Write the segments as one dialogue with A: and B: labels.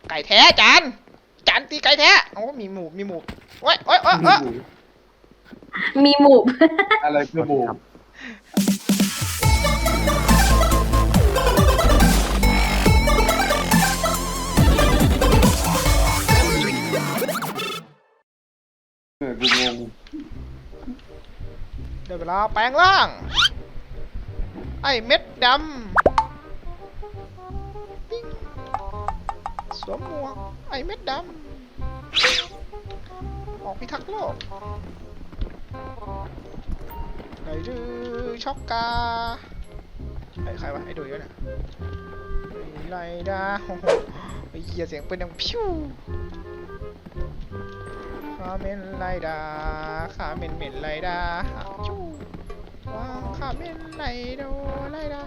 A: ไก่แท้จานตีไก่แท้โอ้มีหมูโอ้ย
B: มีหมูบ
C: อะไรคือหมูกูงง
A: เดี๋ยวเวลาแปลงร่างไอ้เม็ดดำปิ๊งสวมหมวกไอ้เม็ดดำออกพิทักษ์โลกไรดื้อช็อกกาใครวะไอ้ดุยวะเนี่ยไรดาโอ้โหไอ้เหี้ยเสียงปืนดังพิ้วข้าเมนไรดาข้าเมนไรดาจู้ว้าวข้าเมนไรโดไรดา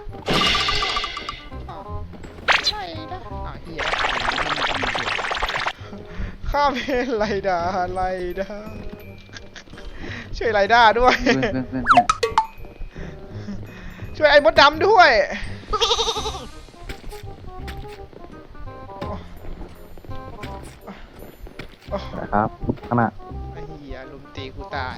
A: ไรดาเหี้ยข้าเมนไรดาช่วยไรดาด้วยช่วยไอ้มดดำด้วย
D: ครับขนาด
A: ไอ้เหี้ยลุมตีกูตาย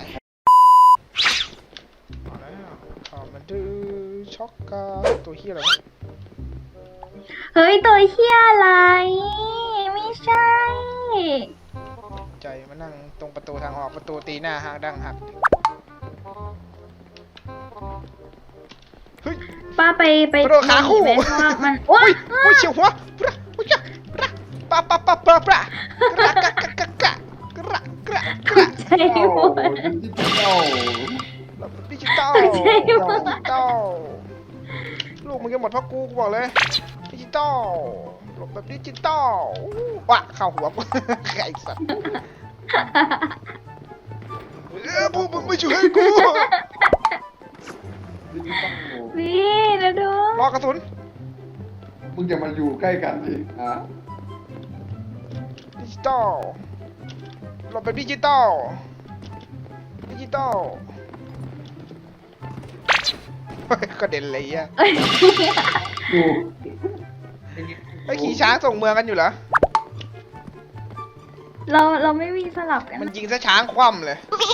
A: เอาแล้วขอมันดื้อช็อกกาตัวเหี้ยอะไรวะ
B: เฮ้ยตัวเฮียอะไร ไม่ใช่
A: ใจมานั่งตรงประตูทางออกประตูตีหน้าหักดังหักเฮ้ย
B: ป้าไป
A: กระโดดขาคู่
B: ไหมเพราะว่ามันโอ๊ย
A: อุ้ยเฉียวหัวปะอุ้ยปะกระ
B: ใจหมด
A: ดิจิตอลลูกมึงจะหมดเพราะกูบอกเลยดิจิตอลหลบแบบดิจิตอลวะเข้าหัวกูไอ้สัตว์พวกมึงไม่ช่วยกู
B: นี่นะดู
A: รอกระสุน
C: มึงจะมาอยู่ใกล้กันดิ
A: ดิจิตอลหลบแบบดิจิตอลกระเด็นเลยอ่ะ
C: กู
A: ไอ้ขี่ช้างส่งเมืองกันอยู่เหรอ
B: เราไม่มีสลับกัน
A: มันยิงซะช้างคว่ำเลย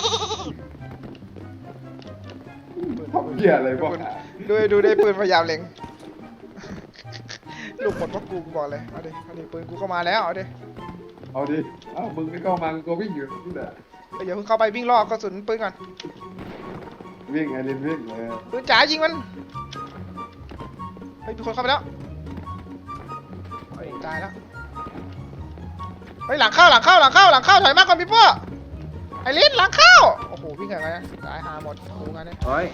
C: ทำเหี้ยอะไรบ้าง
A: ดูได้ปืนพยายามเล็งลูกหมดเพราะกูบอกเลยเอาดิปืนกูเข้ามาแล้วเอาดิ
C: มึงไม่เข้ามาก็วิ่งอยู่นี่แหละ
A: อย่าเพิ่งเข้าไปวิ่งรอกระสุนปืนก่อน
C: วิ่งไอ้ลินวิ่งเลย
A: ปืนจ๋ายิงมันเฮ้ยมีคนเข้าไปแล้วเฮ้ยตายแล้วเฮ้ยหลังเข้าถอยมากก่อนพี่พ่อไอ้ลิ้นหลังเข้าโอ้โหวิ่งไงนะตายหาหมดกูงั้นเนี่ย
D: โอ้ย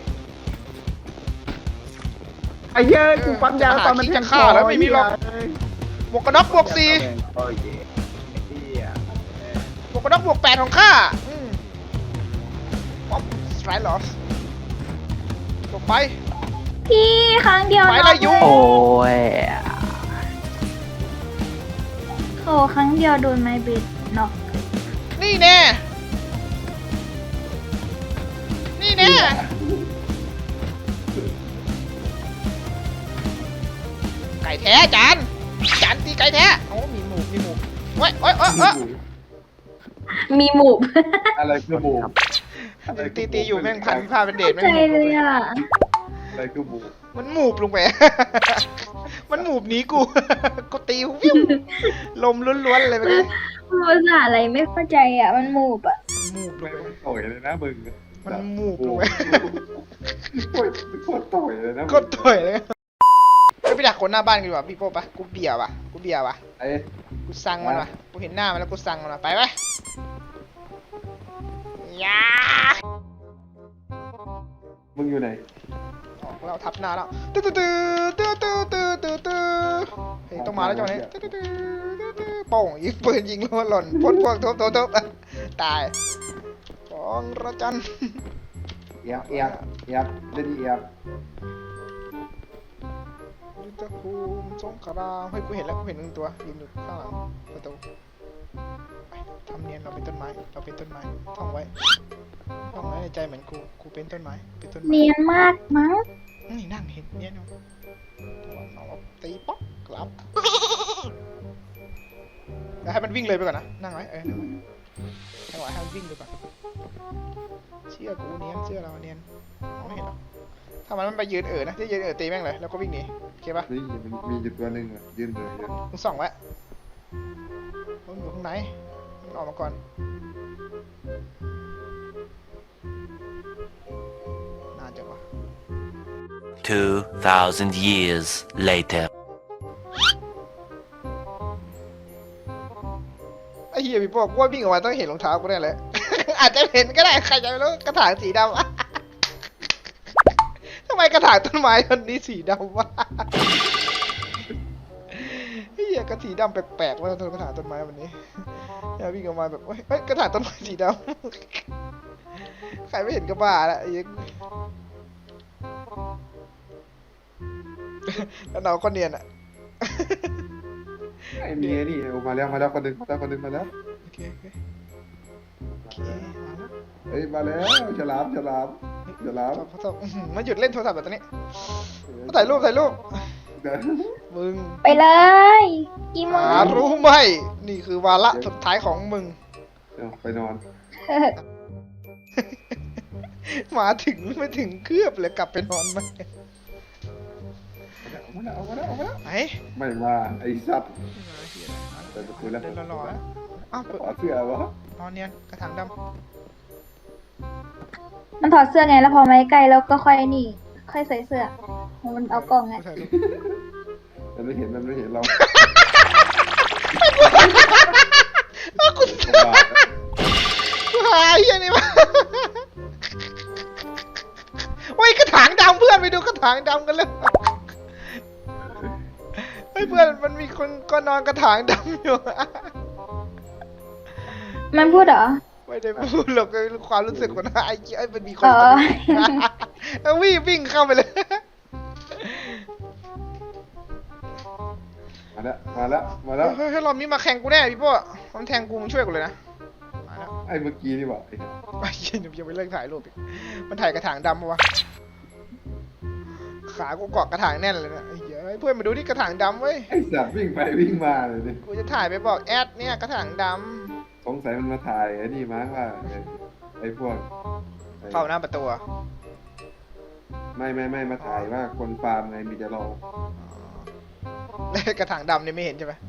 D: ไอ้เย้ยกูปั๊มยาตอนมัน
A: จะฆ่าแล้วไม่มีหรอกบวกกระน็อกบวก4
D: โอ้ยเหี้ย
A: บวกกระน็อกบวก8ของข้าป๊อปสไตรลอสลงไป
B: พี่ครั้งเดียว
A: ไปละยุ
D: โอ้ย
B: โอ้ครั้งเดียวโดนไม้เบสเนาะ
A: นี่แน่ไก่แท้จานตีไก่แท้โอ้มีหมูโอ้ย
B: มีหมูบ
C: อะไรคือหมู
A: ตีอยู่แม่งพันผ้าเป็นเดชแม่ง
B: ใจ
A: หมูบ
B: เลยอ่ะ
C: อะไรคือหมู
A: มันหมูบลงไป มันหมูบหนีกู ก็ตีวิวลมล้วนๆเลยไปเลย
B: ภาษาอะไรไม่เข้าใจอ่ะ มันหมูบอ่ะ
A: หมูบล
C: ไม่
A: งไป
C: ต่อยเลยนะมึง
A: มันหมูบลงไป
C: โคตรต่อยเลยนะ
A: ก็ต่อยเลยไปดักคนหน้าบ้านกันดีกว่าพี่โป้ปะกูเบียร์วะ
C: ไอ้
A: กูสั่งมันวะกูเห็นหน้ามันแล้วกูสั่งมันวะไปไหมยา
C: มึงอยู่ไหน
A: ออกแล้วทับหน้าแล้วตื้อเฮ้ยต้องมาแล้วจังหวะนี้โป่งยิงปืนยิงหล่นพ่นพวกทุบตายของระจัน
C: เอียบเล่นเอียบ
A: ยุทธภูมิสงครามเฮ้ยกูเห็นหนึ่งตัวยืนอยู่ข้างหลังประตูไปทำเนียนเราเป็นต้นไม้ท่องไว้ในใจเหมือนกูเป็นต้นไม้
B: เนียนมากมั้ง
A: นี่นั่งเห็นเนียนอยู่เอาตีป๊อกกลับแล้วให้มันวิ่งเลยไปก่อนนะนั่งไว้นั่งไว้ให้มันวิ่งไปก่อนเชื่อกูเนียนเชื่อเราเนียนมองไม่เห็นหรอกถ้ามันไปยืนนะที่ยืนตีแม่งเลยแล้วก็วิ่งหนีโอเคปะ
C: นี่มันมีอยู่ตัวหนึ่งอ่ะยืนเลยเนี่ย
A: มึงส่องไว้มันอยู่ข้างในมันออกมาก่อนนานจังวะ
E: 2,000 years later.
A: ไอ้เหี้ยพี่พวกว่าวิ่งออกมาต้องเห็นรองเท้ากูแน่เลย อาจจะเห็นก็ได้ใครจะไม่รู้กระถางสีดำ ทำไมกระถางต้นไม้ต้นนี้สีดำวะ ไอ้เหี้ยกระสีดำแปลกๆว่าต้นกระถางต้นไม้วันนี้อย่าวิ่งออกมาแบบเฮ้ยกระถางต้นไม้สีดำ ใครไม่เห็นก็บ้าละไอ้เหี้ย แล้วเราก็เนียนอ่ะ
C: ไอ้เมียนี่เอามาแล้วคนหนึ่งมาแล้ว
A: โอเคมาแล้ว
C: เฮ้ยมาแล้วฉลาม
A: มาหยุดเล่นโทรศัพท์แบบนี้มาถ่ายรูป
C: เดี๋ยว
A: มึง
B: ไปเลยกี่โม
A: หาง รู้ไหมนี่คือวาระสุดท้ายของมึง
C: ไปนอน
A: มาถึงไม่ถึงเครือบเลยกลับไปนอนไหม
C: เอามาแล้ว
A: ไหน
C: ไม่มาไอ้สัตว์เปิดประตูแล้ว
A: เดินรอๆแล้วอ้าวเปิด
C: ขอเสื้อวะ
A: นอนเนียนกระถางด
B: มันถอดเสื้อไงแล้วพอไม้ไกลแล้วก็ค่อยนี่ ค่อยใส่เสื้อมัน
A: ำ
B: เอากล่องไง
A: ถ่ายรูป
C: มันไม่เห็นเรา
A: กูหายยังนี่มาโอ้ยกระถางดำเพื่อนไปดูกระถางดำกันเลยเฮ้ยเพื่อนมันมีคนก็นอนกระถางดำอยู่
B: มันพูดเหรอ
A: ไม่ได้พูดหรอกความรู้สึกของไอ้เจ้ามันมีคน
B: อ๋อ
A: แล้ววิ่งเข้าไปเลย
C: มาแล้ว
A: เฮ้ยรอบนี้มาแข่งกูแน่พี่พ่อมันแทงกูมึงช่วยกูเลยนะมาแล้ว
C: ไอ้เมื่อกี้นี่บอก
A: ไอ้เหี้ยยังไม่เลิกถ่ายรูปอีกมันถ่ายกระถางดำปะวะขากูเกาะกระถางแน่นเลยนะไอ้เหี้ยเพื่อนมาดูที่กระถางดำเว้ย
C: ไอ้สัตว์วิ่งไปวิ่งมาเลยดิ
A: กูจะถ่ายไปบอกแอดเนี่ยกระถางด
C: สงสัยมันมาถ่ายไอ้นี่มั้งว่าไอ้พวก
A: ำเข้าหน้าประตูอะ
C: ไม่มาถ่ายว่าคนฟาร์มไงมีแต่เรา
A: แล้วกระถางดำเนี่ยไม่เห็นใช่ไหม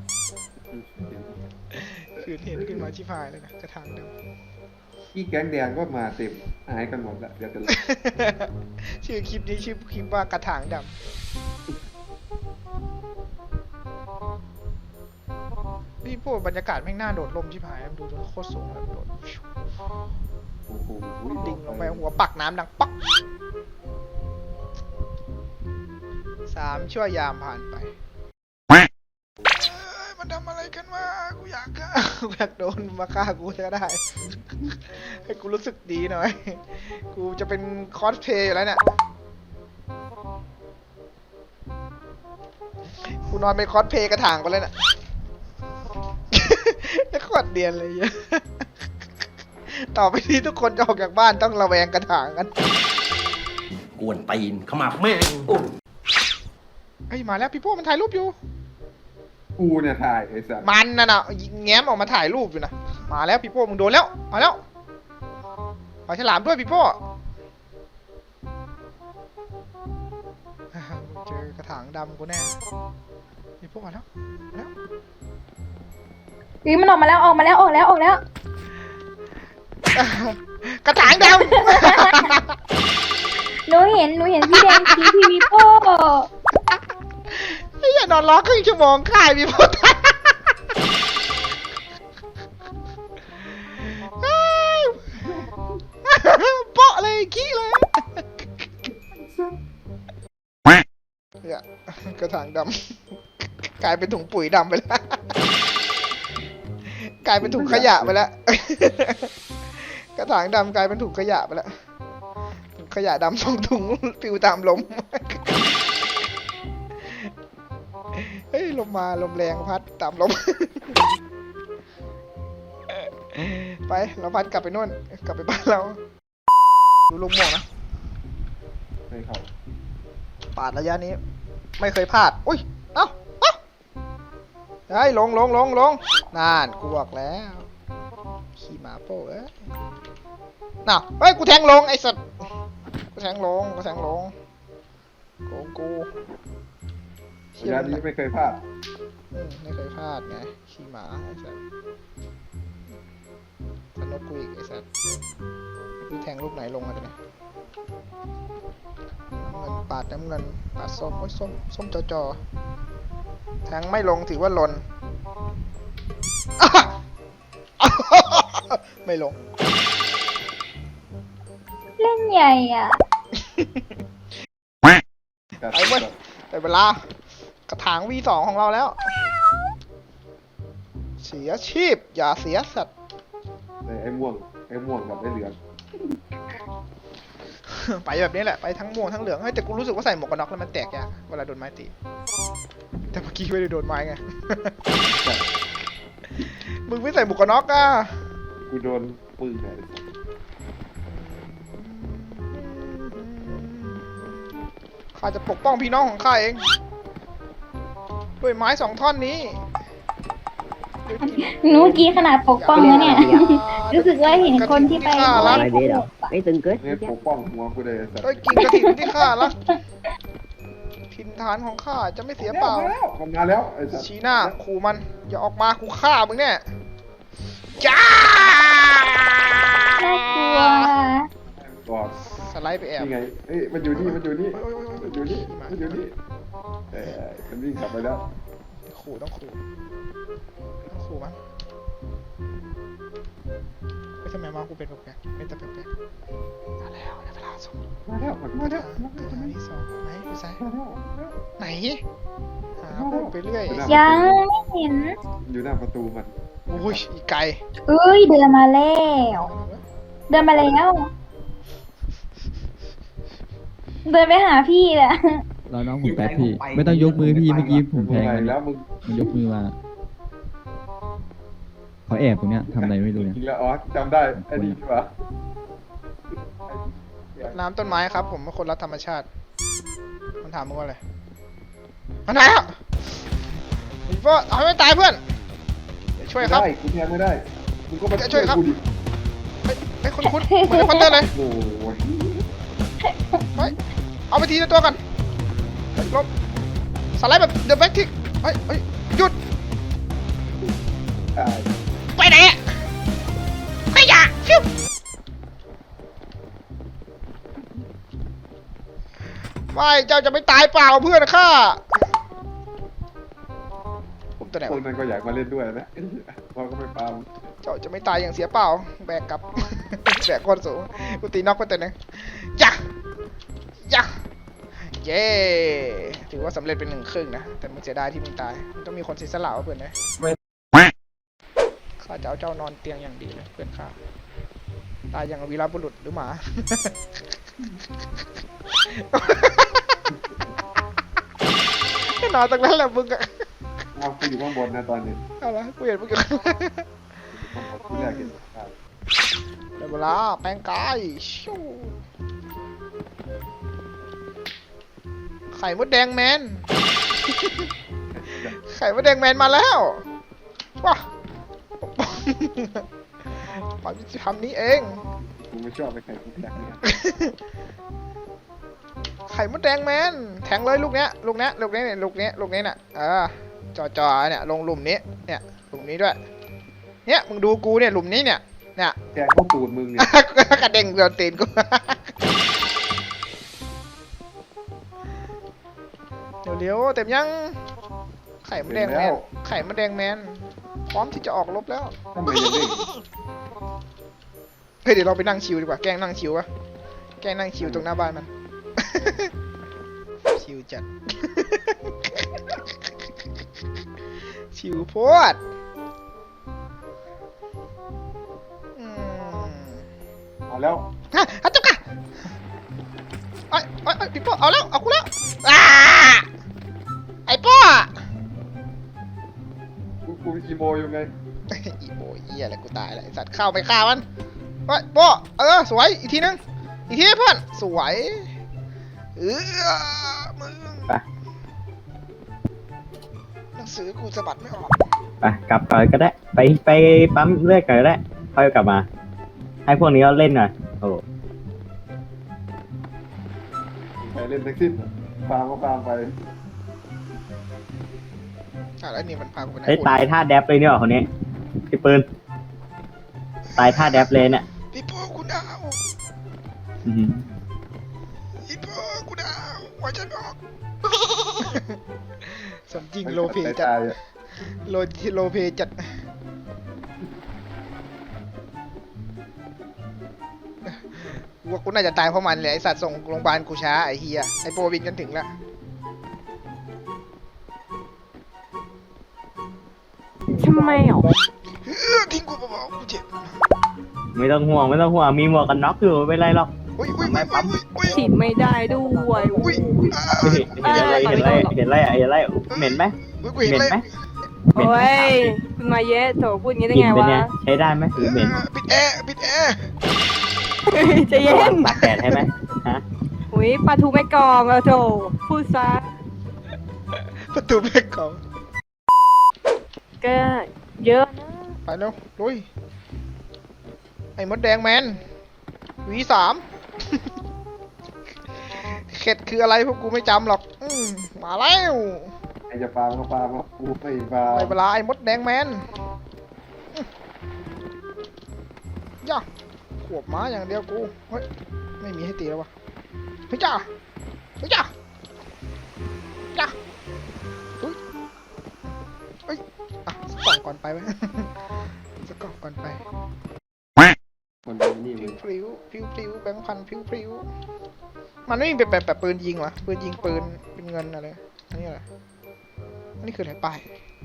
A: คือเห็นขึ้นมาชิพายเลยนะกระถางดำ
C: ที่แก๊งแดงก็มาเต็มหายกันหมดละเดี๋ยวจะ
A: ชื่อคลิปนี้ชื่อคลิปว่ากระถางดำพี่พวกบรรยากาศแม่งน่าโดดลมชิพายดูโคตรสูงเลยโดด
C: โอ้โห
A: ดิ่งลงไปหัวปักน้ำดังป๊อก3 ชั่วยามผ่านไปมันทำอะไรกันวะกูอยากโดนมาฆ่ากูจะได้ ให้กูรู้สึกดีหน่อย กูจะเป็นคอสเพลย์อยู่แล้วเนี่ย กูนอนเป็นคอสเพลย์กระถางไปเลยน่ะ แล้วขวดเดียนเลยเยอะ ต่อไปนี้ทุกคนจะออกจากบ้านต้องระแวงกระถางกัน
E: กวนตีนขมับแม่ง
A: เฮ้ยมาแล้วพี่โป้มันถ่ายรูปอยู่
C: กูเนี่ยถ่ายไอ้สัตว์
A: มันน่ะแง้มออกมาถ่ายรูปอยู่นะมาแล้วพี่โป้มึงโดนแล้วมาแล้วปลาฉลามด้วยพี่โป้เจอกระถางดำกูแน่พี่โป้มาแล้วมาแล้ว
B: มันออกมาแล้วออกแล้ว
A: กระถางดำ
B: หนูเห็นพี่แดงชี้พี่วิโป้
A: ไอ้เหี้ยนอนร้องครึ่งชั่วโมงค่ายพี่โป้โป๊ะเลยขี้เลยเนี่ยกระถางดำกลายเป็นถุงปุ๋ยดำไปแล้วกลายเป็นถุงขยะไปแล้วกระถางดำกลายเป็นถุงขยะไปแล้วถุงขยะดำส่งถุงปลิวตามลมเฮ้ยลมมาลมแรงพัดตามลมไปเราพัดกลับไปนู่นกลับไปบ้านเราดูลมหมอกนะ
C: ให้เขา
A: ปาดระยะนี้ ไม่เคยพลาดอุ้ยเอ้าเฮ้ยลงน่านกูบอกแล้วขี่หมาโป้เอ้ยน่ะเฮ้ยกูแทงลงไอ้สัตว์กูแทงลงโกงกู
C: ระยะนี้ไม่เคยพลาด
A: ไม่เคยพลาดไงขี่หมาไอ้สัตว์สนุกกูอีกไอ้สัตว์กูแทงลูกไหนลงมาตัวเนี้ยน้ำเงินปาดส้มโอ้ยส้มจอแทงไม่ลงถือว่าหล่น ไม่ลง
B: เล่นใหญ่อ่ะ
A: ไปเว้ยได้เวลากระถาง V2 ของเราแล้ว เสียชีพอย่าเสียสัตว์
C: ไอ้ม่วงกับไอ้เหลือง
A: ไปแบบนี้แหละไปทั้งม่วงทั้งเหลืองเฮ้ยแต่กูรู้สึกว่าใส่หมวกกันน็อกแล้วมันแตกยากเวลาโดนไม้ตีแต่เมื่อกี้ไม่ได้โดนไม้ไง มึงไม่ใส่หมวกกันน็อกอ่ะ
C: กูโดนปืนไง
A: ข้าจะปกป้องพี่น้องของข้าเองด้วยไม้2 ท่อนนี้
B: หนูเมื่อกี้ขนาดปกป้องแล้วเนี่ย รู้สึกว่าเห็นคนที่ไป
F: อะไรดีเหรอไม่ตึงเกิน
C: นี่ปกป้องหัวกูเลยสัตว์
A: ด้วยกิ่งกระถิ่นที่ข้ารักถิ่นฐานของข้าจะไม่เสียเปล่า
C: มันมาแล้วไอ้สัตว์
A: ชี้หน้าขู่มันอย่าออกมากูฆ่ามึงเนี่ยจ้า
B: น่ากลัว
C: บอก
A: สไลด์ไปแอบ
C: นี่ไงเอ้ยมันอยู่นี่
A: โอ้ย
C: มันอยู่นี่มันวิ่งกลับไปแล้ว
A: ขู่ต้องขู่มันไม่ทำไมมากูเป็นแปลกๆเป็นแต่แปลกๆมาแล้วในเวลาส่ง
C: มาแล้ว
A: ที่สองไหนดูซ้ายไหนหาพูดไปเรื่อย
B: ยังไม่เห็น
C: อยู่หน้าประตูมัน
A: อุ้ยอีไก่
B: เอ้ยเดินมาแล้ว เดินมาแล้ว เดินไปหาพี่แหละ
G: เราน้องผมแป๊บพี่ ไม่ต้องยกมือพี่เมื่อกี้ผมแทงมัน
C: แล้วมึง
G: มันยกมือมาเขาแอบตรงเนี้ยทำอะไรไม่รู้เนี่ย
C: จริงแล้วอ๋อจำได้ไอ้นี่ดีกว่า
A: น้ำต้นไม้ครับ ผมเป็นคนรักธรรมชาติมันถามมึงว่าอะไรมันไหนอ่ะเพื่อนเอาให้ไม่ตายเพื่อนเดี๋ยวช่วยครับ
C: ได้กูแทงไม่ได้มึงก็มาช่วยกูดิ
A: เฮ้ยคุ้นๆเหมือนคอนเตอร์เลย
C: โอ้ย
A: เฮ้ยเอาไปทีละตัวกันลบสไลด์แบบเดอะแบ็กทิกเฮ้ยหยุด
C: ตาย
A: ไปไหนอะขยะฟิวไม่เจ้าจะไม่ตายเปล่าเพื่อนข้าผมตัวไหน
C: คน
A: วะ
C: นั้นก็อยากมาเล่นด้วยนะพอก็ไม่ปาล์ม
A: เจ้าจะไม่ตายอย่างเสียเปล่าแบกกลับ แบกคนสูงกูตีน็อกไปตัวหนึงย่ะเย้ถือว่าสำเร็จเป็น1/2นะแต่มึงเสียดายที่มึงตายมันต้องมีคนเสียสละวะเพื่อนนะข้าจะเอาเจ้านอนเตียงอย่างดีเลยเพื่อนข้าตายอย่างวีรบุรุษหรือหมา นอนตรงนั้นแหละมึงอะ
C: เอากูอยู่ข้างบนนะตอนนี้
A: เอาละกูเห็นมึงอยู่ข้างล่าง
C: ที่แรกเห็น
A: ได้เวลาแปลงกายชิวไข่มดแดงแมน ไข่มดแดงแมนมาแล้วว้าความยุติธรรมนี้เอง
C: กูไม่ชอบไปใครกูแทงเนี่ย
A: ไข่มดแดงแมนแทงเลยลูกเนี้ยน่ะจ่อเนี่ยลงหลุมนี้เนี่ยหลุมนี้ด้วยเนี่ยมึงดูกูเนี่ยหลุมนี้เนี่ย
C: แทงเข้าตูดมึงเนี่ย
A: กระเด้งโดนตีนกู เร็วๆเต็มยังไข่มดแดงแมนพร้อมที่จะออกรบแล้ว
C: ทำไมยังเด้ง
A: เฮ้ยเดี๋ยวเราไปนั่งชิวดีกว่าแกล้งนั่งชิวปะแกล้งนั่งชิวตรงหน้าบ้านมัน ชิวจัด ชิวโพด
C: มาแล้ว
A: ฮะฮัจจุกะไอ้พี่ป้อเอาแล้วเอากูแล้วอ้าไอ้ป้อ
C: กูอีโมอยู่ไง
A: อีโบเหี้ยอะไรกูตายแล้วไอ้สัตว์เข้าไปฆ่ามันไปป้อสวยอีกทีนึงเพื่อนสวยมึงหนังสือกูสะบัดไม่ออก
F: ไปกลับก่อนก็ได้ ไปปั๊มเลือดก่อนก็ได้ค่อยกลับมา ให้พวกนี้เขาเล่นหน่อยโอ้
C: ใครเล่นแท็กซี่ฟาร์มก็ฟาร์มไป
A: แล้วนี่มันพากูไปไหน
F: เฮ้ยตายท่าแดบเลยเนี่ยคนนี้พี่ปืนตายท่าแดบเลยเนี่ย
A: พี่โป้กูดาว
F: อื้อหือ
A: พี่โป้กูดาวหัวใจไม่ออก สมจริงโลเพจัด
C: ตายๆอะ
A: โลเพจัดว่ากูน่าจะตายเพราะมันเลยไอสัตว์ส่งโรงพยาบาลกูช้าไอเฮียไอโปรบินกันถึงแล้ว
H: ทำไมอ่ะ
A: ทิ้งกูเบาๆกูเจ็บ
F: ไม่ต้องห่วงมีหมวกกันน็อกอยู่ไม่เป็นไรหรอก
A: อุ้ย
H: ฉีดไม่ได้ด้วย
A: อุ้ย
F: เห็นไรเหม็นไหม
A: อุ้ยกู
F: เห
A: เห็น
F: ม็น
A: เลย
F: ไหม
H: โอ้ยคุณมาเยอะโถพูดอย่างนี้ได้
F: กลิ่น
H: ไง
F: เป็น
H: วะ
F: ไงใช้ได้ไหมหรือเหม็น
A: ปิดแอร์
H: ใจะเย็น
F: ตากแดดให้ไหมฮะ
H: อุ้ยปลาทูไม่กรองอะโถพูดซะ
A: ประตูแม่กอง
H: ก็เยอะนะ
A: ไปเร็วลุยไอ้มดแดงแมนV3 เข็ดคืออะไรพวกกูไม่จำหรอกมาแล้ว
C: ใครจะฟาร์มก็ฟาร์มครับกูไม่ฟาร์ม
A: ในเวลาไอ้มดแดงแมนย่าขวบม้าอย่างเดียวกูเฮ้ยไม่มีให้ตีแล้ววะเฮ้ยจ้าเฮ้ยจ้าจ้าเฮ้ยอ่ะสักกล่องก่อนไปไหม สักกล่องก่อนไป
C: คนเป็นนี่
A: พ
C: มึ
A: ริ้
C: ง
A: วแบงค์พันพริ้วมันไม่มีแบบปืนยิงเหรอปืนยิงปืนเป็นเงินอะไรอันนี้อะไรอันนี้คืออะไรป้าย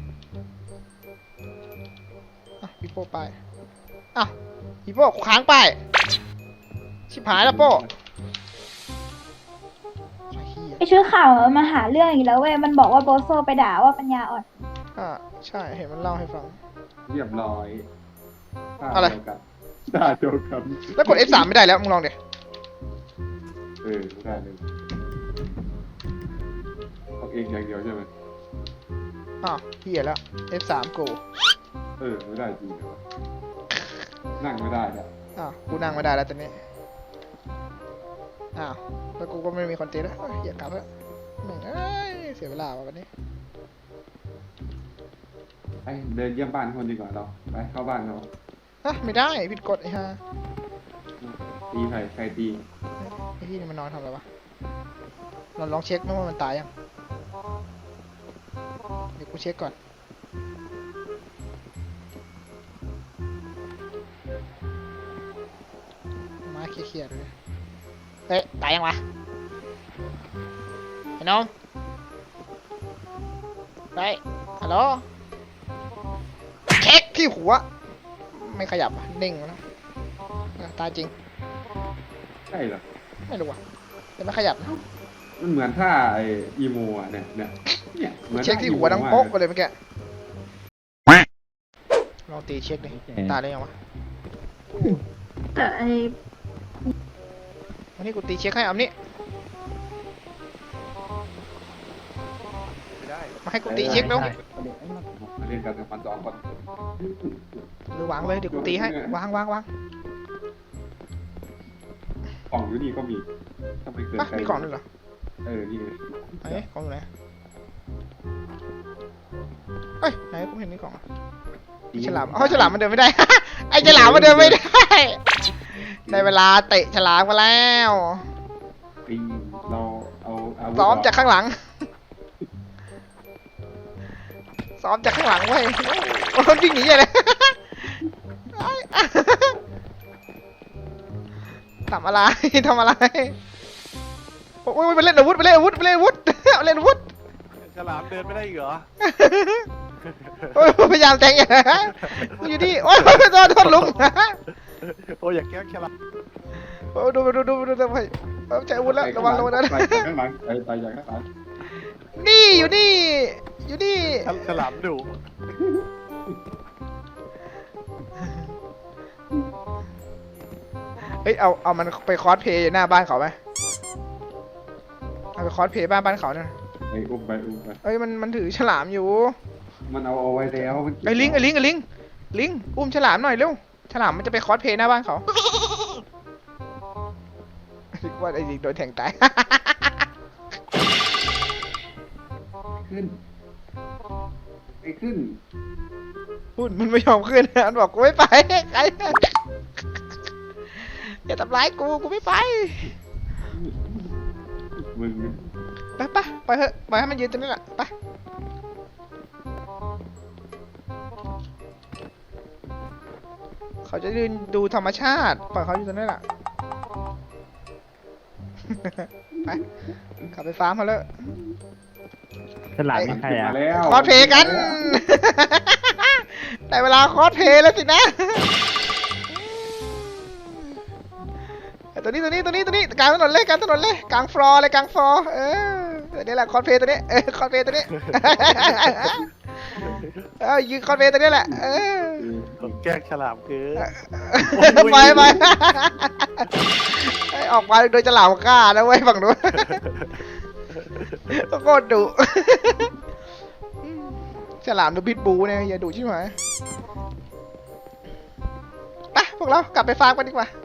A: อ่ะพี่โป้ป้ายอ่ะพี่โป้ค้างป้ายชิบหายแล้วโป้ไอ้เหี้ย
B: ไอชุดข่าวมาหาเรื่องอีกแล้วเว้ย มันบอกว่าโบโซไปด่าว่าปัญญาอ่อน
A: ใช่เห็นมันเล่าให้ฟัง
C: เรียบร้อย
A: อะไร
C: ตาเดียวกัน
A: แล้วกด F3 ไม่ได้แล้วมึงลองดิ
C: ไม่ได้เลยเอาเองอย่างเดียวใช่ไหม
A: เหี้ยแล้ว F3 กู
C: ไม่ได้จริงเหรอนั่งไม่ได้เนี่ย
A: กูนั่งไม่ได้แล้วตอนนี้แล้วกูก็ไม่มีคอนเทนต์แล้วเหี้ยกลับแล้วแม่งเอ้ยเสียเวลาว่ะวันนี้
C: ไปเดินเยี่ยมบ้านคนดีกว่าเราไปเข้าบ้านเรา
A: ไม่ได้ผิดกฎไอ้ห่า
C: ตีใครตี
A: ไอ้ที่นี่มันนอนทำอะไรวะเราลองเช็คนะว่ามันตายยังเดี๋ยวกูเช็คก่อนมาเคลียร์ๆเลยเฮ้ยตายยังวะไอ้น้องไปฮัลโหลเช็คที่หัวไม่ขยับอ่ะนิ่งแล้วตายจริง
C: ใช่เหรอ
A: ไม่รู้อ่ะแต่ไม่ขยับนะ
C: มันเหมือนท่าไออีโมอ่ะเนี่ยเหมือน
A: เช็คที่หัวดังโป๊กไปเลยเมื่อกี้ลองตีเช็คดิตายได้ยังวะ
B: แต่ไอ
A: วันนี้กูตีเช็คให้เอานี่มาให้กูตีเช็คแล้ว
C: มาเล่นกันกับมันสองคน
A: หรือวางเลยเดี๋ยวกูตีให้วาง
C: กล่องอยู่นี่ก็มีทำไมเกินใคร
A: มีกล่องด้วยเหรอ
C: นี่เลย
A: ไหนกล่องอยู่ไหนเฮ้ยไหนกูเห็นนี่กล่องฉลามฉลามมันเดินไม่ได้ ไอ้ฉลามมันเดินไม่ได้ได้เวลาเตะฉลามมาแล้ว
C: ปีเราเอาอาวุธ
A: ซ้อมจากข้างหลังซ้อมจากข้างหลังเว้ยโอ้ยวิ่งหนีเลยทำอะไรโอ้ยไปเล่นอาวุธ
I: ฉลามเดินไม่ได้อีกเหรอ
A: โอ้ยพยายามแทงอย่างมึงอยู่นี่โอ้ยโทษลุง
I: โอ้ยอย่าแกล้งฉลาม
A: โอ้ดูไปใจอาวุธแล้วระวังนะ
C: ไปจากข้างหลังไปจากข้างหลัง
A: นี่อยู่นี่
I: ฉลามดุ
A: เฮ้ยเอามันไปคอสเพย์หน้าบ้านเขาไหมเอาไปคอสเพย์บ้านเขาเนี่ย
C: อุ้มไป
A: เอ้ยมันถือฉลามอยู่
C: มันเอาไว้แล้วมัน
A: ไอ้ลิงอุ้มฉลามหน่อยเร็วฉลามมันจะไปคอสเพลย์หน้าบ้านเขาคิดว่าไอ้ลิงโดนแทงตาย
C: ขึ้นไอ้ขึ้น
A: พูดมันไม่ยอมขึ้นมันบอกกูไม่ไปใครอย่าทำร้ายกูไม่ไป
C: มึง
A: ไปเถอะปล่อยให้มันยืนตรงนี้แหละไปเขาจะยืนดูธรรมชาติปล่อยเขาอยู่ตรงนี้แหละ ไปขับไปฟาร์มเขาเลย
F: ฉลามเป็นใครอ่ะ
C: มาแล้ว
A: คอสเพลย์กัน ได้เวลาคอสเพลย์แล้วสินะ ตัวนี้กลางถนนเลยกลางฟลอร์เลยกลางฟลอร์ตัวนี้แหละคอสเพลย์ตัวนี้คอสเพลย์ตัวนี้ ยืนคอสเพลย์ตัวนี้แหละ
I: แกล้งฉลามคือ
A: ไปออกมาโดยฉลามฆ่านะเว้ยฝั่งนู้นโคตรดุฉลามดูพิษบูเนี่ยอย่าดุใช่ไหมไปพวกเรากลับไปฟาร์มกันดีกว่า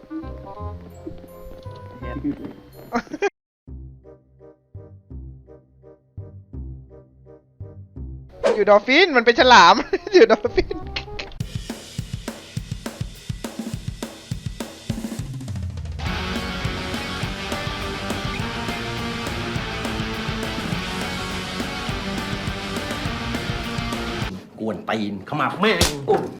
A: อยู่ดอลฟินมันเป็นฉลาม อยู่ดอลฟิน
E: กวนตีนขมับแม่ง